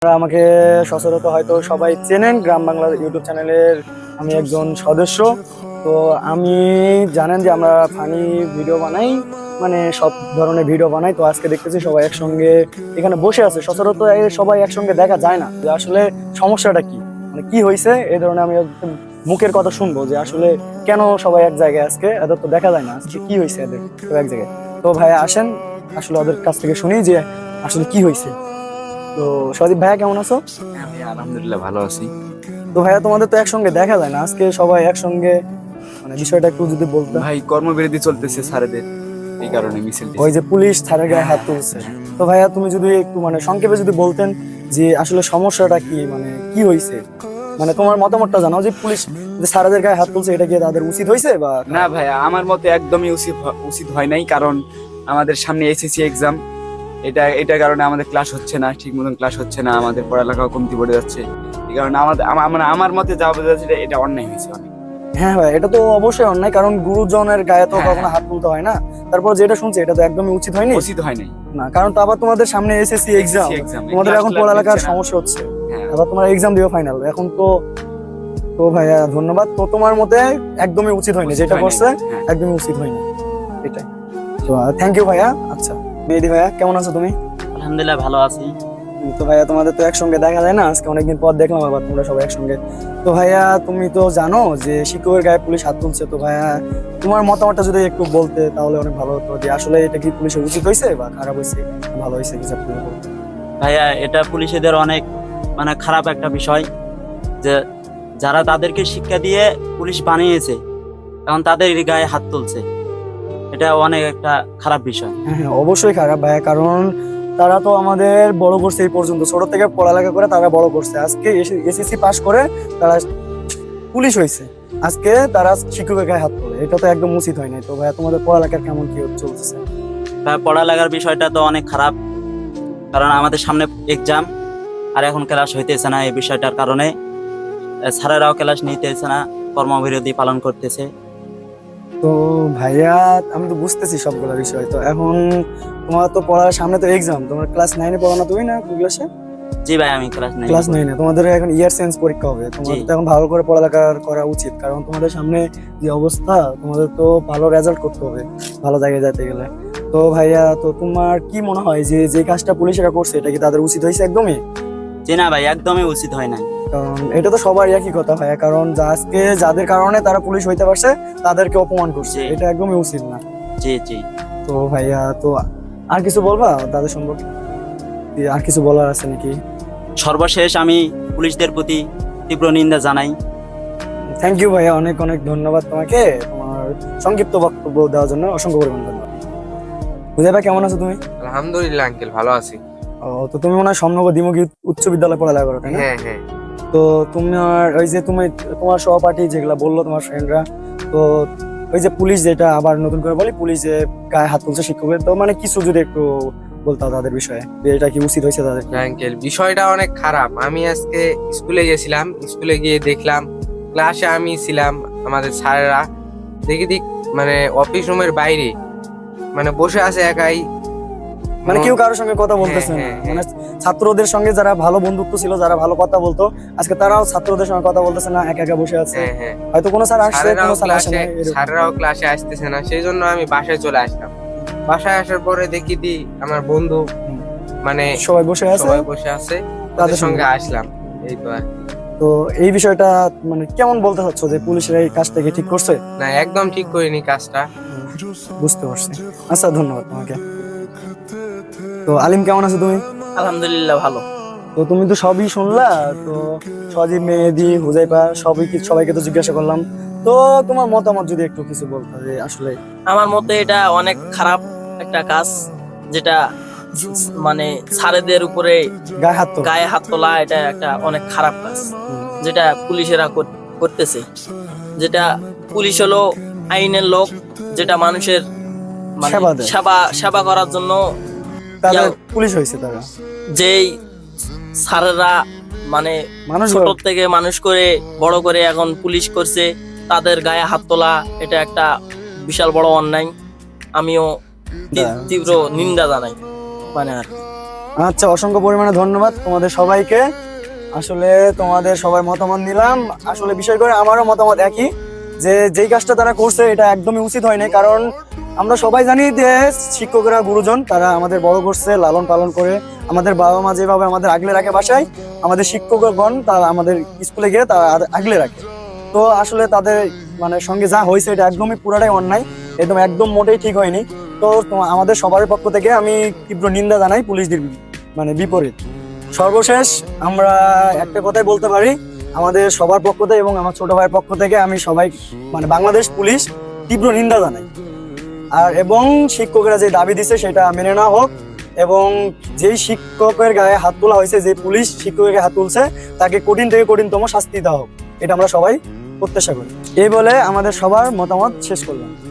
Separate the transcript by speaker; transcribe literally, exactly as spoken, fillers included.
Speaker 1: আপনারা আমাকে সচরাচর হয়তো সবাই চেনেন, গ্রাম বাংলার ইউটিউব চ্যানেলের আমি একজন সদস্য। তো আমি জানেন যে আমরা ফানি ভিডিও বানাই, মানে সব ধরনের ভিডিও বানাই। তো আজকে দেখতেছি সবাই একসঙ্গে এখানে বসে আছে। সচরাচর এ সবাই একসঙ্গে দেখা যায় না, যে আসলে সমস্যাটা কি, মানে কি হয়েছে এই ধরনের আমি একদম মুখের কথা শুনবো যে আসলে কেন সবাই এক জায়গায় আজকে, এদের তো দেখা যায় না, আজকে কি হয়েছে এদের তো এক জায়গায়। তো ভাই আসেন আসলে ওদের কাছ থেকে শুনি যে আসলে কি হয়েছে। তো সদীপ ভাইয়া কেমন আছো?
Speaker 2: হ্যাঁ ভাই, আলহামদুলিল্লাহ ভালো আছি।
Speaker 1: তো ভাইয়া তোমাদের তো একসঙ্গে দেখা যায় না, আজকে সবাই একসঙ্গে, মানে বিষয়টা একটু যদি বলতে।
Speaker 2: ভাই কর্মবিরতি চলতেছে স্যারেদের, এই কারণে মিছিল
Speaker 1: ওই
Speaker 2: দিছি।
Speaker 1: যে পুলিশ ছাড়ের গায়ে হাত তুলছে, তো ভাইয়া তুমি যদি একটু মানে সংক্ষেপে যদি বলতেন যে আসলে সমস্যাটা কি, মানে কি হয়েছে, মানে তোমার মতামতটা জানাও যে পুলিশ যে স্যারদের গায়ে হাত তুলছে এটা কি তাদের উচিত হয়েছে বা
Speaker 2: না ভাই, আমার মতে একদমই উচিত হ- উচিত হয় নাই। কারণ আমাদের সামনে এসএসসি এক্সাম, এটা এটার কারণে আমাদের ক্লাস হচ্ছে না, ঠিক মতন ক্লাস হচ্ছে না, আমাদের পড়ালেখাও কমতি পড়ে যাচ্ছে। এই কারণে আমাদের আমা- মানে আমার মতে যা বোঝা যাচ্ছে এটা- এটা অন্যায় হয়েছে অনেক।
Speaker 1: হ্যাঁ ভাই, এটা তো অবশ্যই অন্যায়, কারণ গুরুজনের গায়ে তো
Speaker 2: হ্যাঁ,
Speaker 1: কখনো
Speaker 2: হ্যাঁ।
Speaker 1: হাত তুলতে হয় না। তারপর যেটা শুনছি এটা তো একদমই উচিত হয়নি
Speaker 2: উচিত হয় নাই।
Speaker 1: না, কারণ তো আবার তোমাদের সামনে এসএসসি এক্সাম,
Speaker 2: এসএসসি এক্সাম,
Speaker 1: তোমাদের এখন পড়ালেখার সমস্যা হচ্ছে,
Speaker 2: হ্যাঁ
Speaker 1: আবার তোমার এক্সাম দিও ফাইনাল এখন তো। তো ভাইয়া ধন্যবাদ। তো তোমার মতে একদমই উচিত হয়নি
Speaker 2: উচিত
Speaker 1: যেটা
Speaker 2: হয় নাই,
Speaker 1: করছে,
Speaker 2: হ্যাঁ।
Speaker 1: একদমই উচিত হয়নি, এটাই। তো থ্যাংক ইউ ভাইয়া। আচ্ছা মেহেদি ভাইয়া কেমন আছো তুমি?
Speaker 3: আলহামদুলিল্লাহ ভালো আছি।
Speaker 1: উম, তো ভাইয়া তোমাদের তো একসঙ্গে দেখা যায় না, আজকে অনেকদিন পর দেখলাম আবার তোমরা সবাই একসঙ্গে। তো ভাইয়া তুমি তো জানো যে শিক্ষকের গায়ে পুলিশ হাত তুলছে, তো ভাইয়া তোমার মতামতটা যদি একটু বলতে তাহলে অনেক ভালো হতো, যে আসলে এটা কি পুলিশের উচিত হয়েছে বা খারাপ হয়েছে, ভালো হয়েছে কিছু একটু বলতে।
Speaker 3: ভাইয়া, এটা পুলিশেদের অনেক মানে খারাপ একটা বিষয় যে যারা তাদেরকে শিক্ষা দিয়ে পুলিশ বানিয়েছে এখন তাদের গায়ে হাত তুলছে, এটা অনেক একটা খারাপ বিষয়।
Speaker 1: হ্যাঁ হ্যাঁ, অবশ্যই খারাপ ভাইয়া, কারণ তারা তো আমাদের বড় করছে এই পর্যন্ত, ছোট থেকে পড়ালেখা করে তারা বড় করছে, আজকে এসএসসি পাস করে তারা পুলিশ হয়েছে, আজকে তারা শিক্ষকের গায়ে হাত তোলে, এটা তো একদম উচিত হয় নাই। তো ভাইয়া তোমাদের পড়ালেখার কেমন কি চলতেছে?
Speaker 3: তা পড়ালেখার বিষয়টা তো অনেক খারাপ, কারণ আমাদের সামনে এক্সাম আর এখন ক্লাস হইতেছে না। এই বিষয়টার কারণে আহ, স্যারেরাও ক্লাস নিতেছে না, কর্মবিরতি পালন করতেছে।
Speaker 1: তো ভাইয়া আমি তো বুঝতেছি সবগুলো বিষয়, তো এখন তোমার তো পড়ার সামনে তো এক্সাম, তোমার ক্লাস নাইনে পড়ো না তুমি, না কোন ক্লাসে?
Speaker 3: জি ভাই, আমি ক্লাস নাই।
Speaker 1: ক্লাস নাইনে তোমাদের এখন ইয়ার সেন্স পরীক্ষা হবে, তোমাদের
Speaker 3: জি।
Speaker 1: তো এখন ভালো করে পড়ালেখা করা উচিত, কারণ তোমাদের সামনে যে অবস্থা, তোমাদের তো ভালো রেজাল্ট করতে হবে ভালো জায়গায় যেতে গেলে। তো ভাইয়া তো তোমার কি মনে হয় যে যে কাজটা পুলিশেরা করছে এটা কি তাদের উচিত হয়েছে একদমই?
Speaker 3: জি না ভাই, একদমই উচিত হয় নাই।
Speaker 1: কারণ এটা তো সবার একই কথা ভাইয়া, কারণ যা আজকে যাদের কারণে তারা পুলিশ হইতে পারছে তাদেরকে অপমান করছে,
Speaker 3: জি।
Speaker 1: এটা একদমই উচিত না।
Speaker 3: জি জি।
Speaker 1: তো ভাইয়া তো আর কিছু বলবা তাদের সম্পর্কে, কি আর কিছু বলার আছে নাকি?
Speaker 3: সর্বশেষ আমি পুলিশদের প্রতি তীব্র নিন্দা জানাই।
Speaker 1: থ্যাংক ইউ ভাইয়া, অনেক অনেক ধন্যবাদ তোমাকে তোমার সংক্ষিপ্ত বক্তব্য দেওয়ার জন্য, অসংখ্য পরিমাণ ধন্যবাদ। বুঝে ভাই কেমন আছো তুমি?
Speaker 4: আলহামদুলিল্লাহ আঙ্কেল, ভালো আছি।
Speaker 1: ও, তো তুমি মনে হয় সমনগর দ্বিমুখী উচ্চ বিদ্যালয়ে পড়ালেখা করো তাই না?
Speaker 4: হ্যাঁ হ্যাঁ।
Speaker 1: তো তোমার ওই যে তুমি তোমার সহপাঠী যেগুলা বললো তোমার ফ্রেন্ডরা, তো ওই যে পুলিশ যেটা আবার নতুন করে বলি, পুলিশ যে গায়ে হাত তুলছে শিক্ষকের, তো মানে কিছু যদি একটু বলতে তাদের বিষয়ে, যে এটা কি উচিত হয়েছে তাদের?
Speaker 4: আঙ্কেল বিষয়টা অনেক খারাপ। আমি আজকে স্কুলে গেছিলাম, স্কুলে গিয়ে দেখলাম ক্লাসে আমি ছিলাম, আমাদের স্যারেরা দেখি দিক মানে অফিস রুমের বাইরে মানে বসে আছে একাই,
Speaker 1: মানে কেউ কারোর সঙ্গে কথা বলতেছে না,
Speaker 4: হ্যাঁ, হ্যাঁ,
Speaker 1: মানে ছাত্রদের সঙ্গে যারা ভালো বন্ধুত্ব ছিল, যারা ভালো কথা বলতো, আজকে তারাও ছাত্রদের সঙ্গে কথা বলতেছে না, একা একা বসে আছে।
Speaker 4: হ্যাঁ হ্যাঁ।
Speaker 1: হয়তো কোনো স্যার আসছে,
Speaker 4: স্যারেরাও
Speaker 1: কোনো স্যার আসে
Speaker 4: ক্লাসে
Speaker 1: না, এরকম।
Speaker 4: স্যারেরাও ক্লাসে আসতেছে না, সেই জন্য আমি বাসায় চলে আসলাম। বাসায় আসার পরে দেখি দি আমার বন্ধু মানে
Speaker 1: সবাই বসে আছে,
Speaker 4: সবাই বসে আছে, তাদের সঙ্গে আসলাম, এই তো আর কি।
Speaker 1: তো এই বিষয়টা মানে কেমন বলতে চাচ্ছ যে পুলিশের এই কাজটা কি ঠিক করছে?
Speaker 4: না, একদম ঠিক করিনি কাজটা।
Speaker 1: বুঝতে পারছি। আচ্ছা ধন্যবাদ তোমাকে। তো আলিম কেমন আছো তুমি?
Speaker 3: আলহামদুলিল্লাহ ভালো।
Speaker 1: তো তুমি তো সবই শুনলা, তো সজীব, মেহেদি, হুজাইফা সবই কি সবাইকে তো জিজ্ঞাসা করলাম, তো তোমার মতামত যদি একটু কিছু বলতে, যে আসলে
Speaker 5: আমার মতে এটা অনেক খারাপ একটা কাজ, যেটা মানে স্যারেদের উপরে
Speaker 1: গায়ে হাত তো
Speaker 5: গায়ে হাত তোলা, এটা একটা অনেক খারাপ কাজ যেটা পুলিশেরা কর- করতেছে। যেটা পুলিশ হলো আইনের লোক, যেটা মানুষের মানে
Speaker 1: সেবা দেয়।
Speaker 5: সেবা সেবা করার জন্য
Speaker 1: তাদের
Speaker 5: ইয়া-
Speaker 1: পুলিশ হয়েছে তারা,
Speaker 5: যেই স্যারেরা মানে
Speaker 1: মানুষ
Speaker 5: ছোট থেকে মানুষ করে বড় করে এখন পুলিশ করছে, তাদের গায়ে হাত তোলা এটা একটা বিশাল বড় অন্যায়। আমিও তি-
Speaker 1: হ্যাঁ।
Speaker 5: তীব্র নিন্দা জানাই, মানে আর কি।
Speaker 1: আচ্ছা, অসংখ্য পরিমাণে ধন্যবাদ তোমাদের সবাইকে। আসলে তোমাদের সবাই মতামত নিলাম। আসলে বিষয় করে আমারও মতামত একই, যে যেই কাজটা তারা করছে এটা একদমই উচিত হয়নি। কারণ আমরা সবাই জানি যে শিক্ষকরা গুরুজন, তারা আমাদের বড় করছে, লালন পালন করে, আমাদের বাবা মা যেভাবে আমাদের আগলে রাখে বাসায়, আমাদের শিক্ষকগণ তারা আমাদের স্কুলে গিয়ে তারা আগলে রাখে। তো আসলে তাদের মানে সঙ্গে যা হয়েছে এটা একদমই পুরাটাই অন্যায়, একদম একদম মোটেই ঠিক হয়নি। তো তোমা- আমাদের সবার পক্ষ থেকে আমি তীব্র নিন্দা জানাই পুলিশদের মানে বিপরীত। সর্বশেষ আমরা একটা কথাই বলতে পারি, আমাদের সবার পক্ষ থেকে এবং আমার ছোট ভাইয়ের পক্ষ থেকে আমি সবাই মানে বাংলাদেশ পুলিশ তীব্র নিন্দা জানাই। আর এবং শিক্ষকরা যে দাবি দিছে সেটা মেনে নেওয়া হোক, এবং যেই শিক্ষকের গায়ে হাত তোলা হয়েছে, যে পুলিশ শিক্ষকের গায়ে হাত তুলছে, তাকে কঠিন থেকে কঠিনতম শাস্তি দেওয়া হোক, এটা আমরা সবাই প্রত্যাশা করি। এই বলে আমাদের সবার মতামত শেষ করলাম।